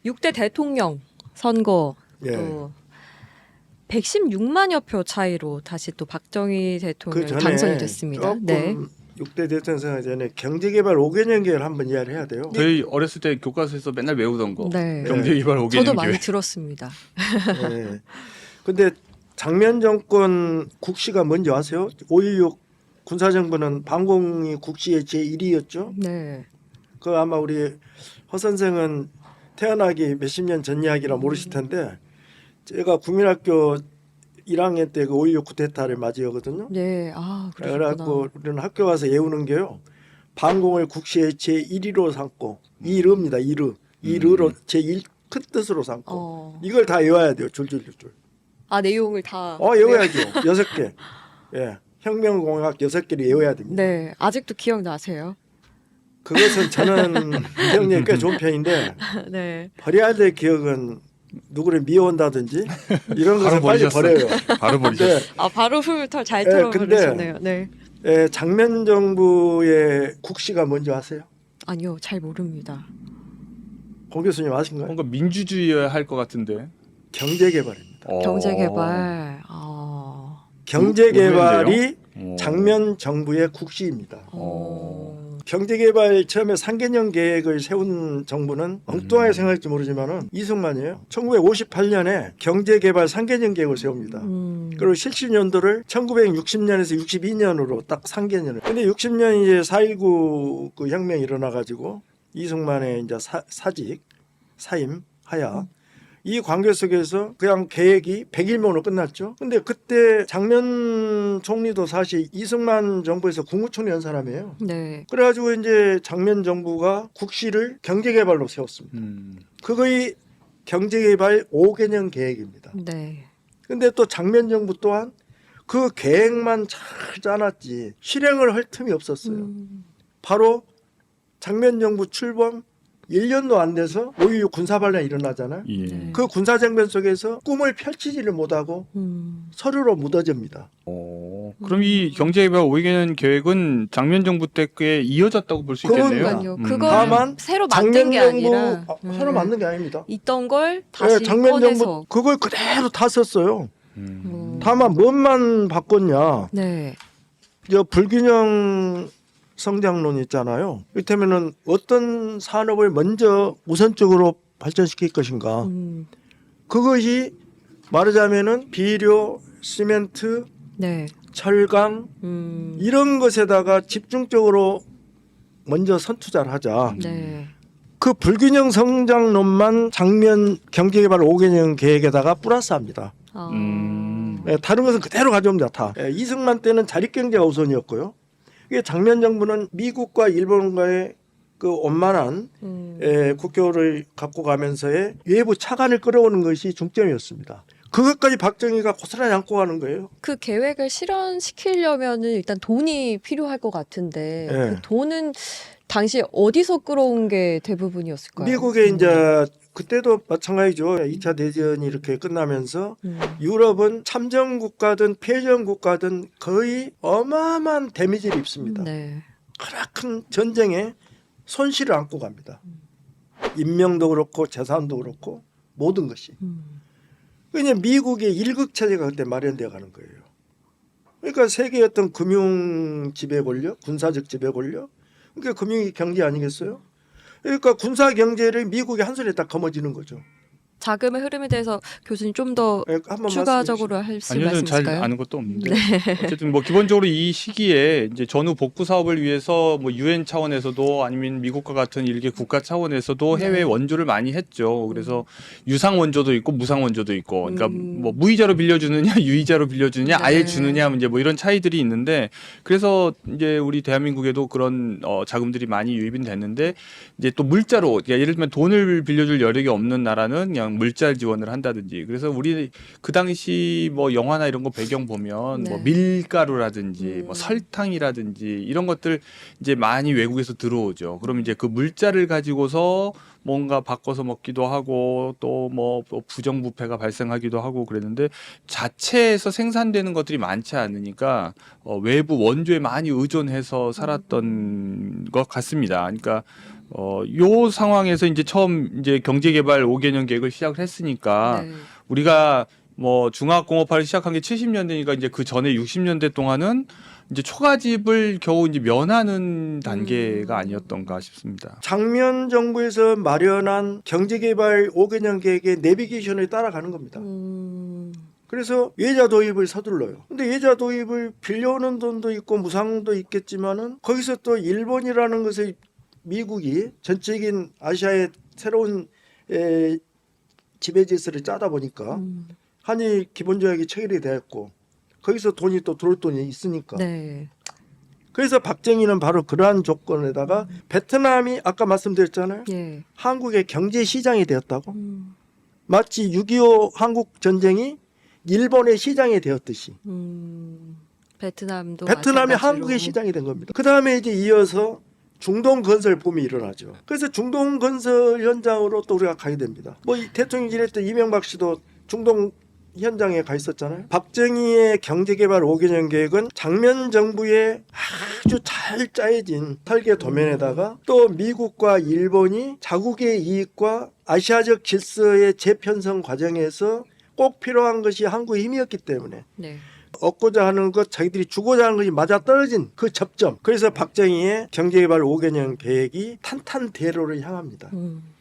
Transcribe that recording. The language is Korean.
6대 대통령 선거 예. 또 116만여 표 차이로 다시 또 박정희 대통령이 그 전에 당선이 됐습니다. 조금 네. 6대 대통령 선거 전에 경제개발 5개년 계획을 한번 이야기를 해야 돼요. 저희 어렸을 때 교과서에서 맨날 외우던 거. 네. 경제개발 5개년 저도 많이 계획. 들었습니다. 네. 근데 장면 정권 국시가 뭔지 아세요? 5.16 군사정부는 반공이 국시의 제1위였죠. 네. 그 아마 우리 허 선생은 태어나기 몇십 년 전 이야기라 모르실 텐데 제가 국민학교 1학년 때 그 5.16 쿠데타를 맞이하거든요. 네. 아, 그래갖고 그러셨구나. 우리는 학교 가서 외우는 게요. 반공을 국시의 제1위로 삼고 이르입니다. 이르로 제1 큰 뜻으로 삼고 이걸 다 외워야 돼요. 줄줄줄줄. 아, 내용을 다 외워야죠. 6개. 예. 혁명공학 6개를 외워야 됩니다. 네. 아직도 기억나세요? 그것은 저는 기억력이 꽤 좋은 편인데 네. 버려야 될 기억은 누구를 미워한다든지 이런 것을 빨리 버려요. 바로 버리셨어요. 근데 아, 바로 훌털 잘 네, 털어버리셨네요. 네. 장면 정부의 국시가 뭔지 아세요? 아니요, 잘 모릅니다. 공 교수님 아신가요? 뭔가 민주주의여야 할 것 같은데. 경제개발입니다. 경제개발. 경제개발이 어. 장면 정부의 국시입니다. 어. 경제개발 처음에 3개년 계획을 세운 정부는 엉뚱하게 생각할지 모르지만은 이승만이에요. 1958년에 경제개발 3개년 계획을 세웁니다. 그리고 실시년도를 1960년에서 62년으로 딱 3개년을. 근데 60년 이제 4.19 그 혁명이 일어나가지고 이승만의 이제 사직, 사임, 하야. 이 관계 속에서 그냥 계획이 100일만으로 끝났죠. 근데 그때 장면 총리도 사실 이승만 정부에서 국무총리 한 사람이에요. 네. 그래가지고 이제 장면 정부가 국시를 경제개발로 세웠습니다. 그거의 경제개발 5개년 계획입니다. 네. 근데 또 장면 정부 또한 그 계획만 잘 짜놨지 실행을 할 틈이 없었어요. 바로 장면 정부 출범 1년도 안 돼서 5.16 군사반란이 일어나잖아요. 예. 네. 그 군사정변 속에서 꿈을 펼치지를 못하고 서류로 묻어집니다. 그럼 이 경제개발 5개년 계획은 장면 정부 때께 이어졌다고 볼 수 있겠네요. 그러니까요. 그걸 다만 새로 만든 게 아니라 새로 만든 게 아닙니다. 있던 걸 다시 장면 꺼내서. 정부 그걸 그대로 다 썼어요. 음. 다만 뭔만 바꿨냐. 네. 저 불균형 성장론 있잖아요. 이를테면은 어떤 산업을 먼저 우선적으로 발전시킬 것인가. 그것이 말하자면은 비료, 시멘트, 네. 철강 이런 것에다가 집중적으로 먼저 선투자를 하자. 네. 그 불균형 성장론만 장면 경제개발 5개년 계획에다가 플러스합니다. 다른 것은 그대로 가져옵니다. 다. 이승만 때는 자립경제가 우선이었고요. 이게 장면 정부는 미국과 일본과의 그 원만한 국교를 갖고 가면서의 외부 차관을 끌어오는 것이 중점이었습니다. 그것까지 박정희가 고스란히 안고 가는 거예요. 그 계획을 실현시키려면은 일단 돈이 필요할 것 같은데 그 돈은 당시 어디서 끌어온 게 대부분이었을까요? 미국에 이제 그때도 마찬가지죠. 2차 대전이 이렇게 끝나면서 유럽은 참전 국가든 패전 국가든 거의 어마어마한 데미지를 입습니다. 네. 크나큰 전쟁에 손실을 안고 갑니다. 인명도 그렇고 재산도 그렇고 모든 것이. 그러니까 미국의 일극 체제가 그때 마련되어 가는 거예요. 그러니까 세계의 어떤 금융 지배 권력, 군사적 지배 권력, 그러니까 금융 경제 아니겠어요? 그러니까 군사 경제를 미국이 한 손에 딱 거머쥐는 거죠. 자금의 흐름에 대해서 교수님 좀 더 한번 추가적으로 하실 아니요, 말씀 잘 있을까요? 아는 것도 없는데 어쨌든 뭐 기본적으로 이 시기에 이제 전후 복구 사업을 위해서 뭐 유엔 차원에서도 아니면 미국과 같은 일개 국가 차원에서도 해외 원조를 많이 했죠. 그래서 유상 원조도 있고 무상 원조도 있고, 그러니까 뭐 무이자로 빌려주느냐 유이자로 빌려주느냐 아예 주느냐 이제 뭐 이런 차이들이 있는데, 그래서 이제 우리 대한민국에도 그런 자금들이 많이 유입이 됐는데, 이제 또 물자로, 그러니까 예를 들면 돈을 빌려줄 여력이 없는 나라는 그냥 물자 지원을 한다든지. 그래서 우리 그 당시 뭐 영화나 이런 거 배경 보면 뭐 밀가루라든지 뭐 설탕이라든지 이런 것들 이제 많이 외국에서 들어오죠. 그럼 이제 그 물자를 가지고서 뭔가 바꿔서 먹기도 하고 또 뭐 부정부패가 발생하기도 하고 그랬는데, 자체에서 생산되는 것들이 많지 않으니까 외부 원조에 많이 의존해서 살았던 것 같습니다. 그러니까 요 상황에서 이제 처음 이제 경제개발 5개년 계획을 시작을 했으니까 네. 우리가 뭐 중화공업화를 시작한 게 70년대니까 이제 그 전에 60년대 동안은 이제 초가집을 겨우 이제 면하는 단계가 아니었던가 싶습니다. 장면 정부에서 마련한 경제개발 5개년 계획의 내비게이션을 따라가는 겁니다. 그래서 예자 도입을 서둘러요. 근데 예자 도입을 빌려오는 돈도 있고 무상도 있겠지만은 거기서 또 일본이라는 것을 미국이 전적인 아시아의 새로운 지배 질서를 짜다 보니까 한일 기본조약이 체결이 되었고 거기서 돈이 또 들어올 돈이 있으니까. 네. 그래서 박정희는 바로 그러한 조건에다가 베트남이 아까 말씀드렸잖아요. 예. 한국의 경제 시장이 되었다고. 마치 6.25 한국 전쟁이 일본의 시장이 되었듯이 베트남이 베트남이 한국의 시장이 된 겁니다. 그 다음에 이제 이어서 중동 건설 붐이 일어나죠. 그래서 중동 건설 현장으로 또 우리가 가야 됩니다. 뭐 대통령 지냈던 이명박 씨도 중동 현장에 가 있었잖아요. 박정희의 경제개발 5개년 계획은 장면 정부의 아주 잘 짜여진 설계 도면에다가 또 미국과 일본이 자국의 이익과 아시아적 질서의 재편성 과정에서 꼭 필요한 것이 한국의 힘이었기 때문에 네. 얻고자 하는 것, 자기들이 주고자 하는 것이 맞아떨어진 그 접점. 그래서 박정희의 경제개발 5개년 계획이 탄탄대로를 향합니다.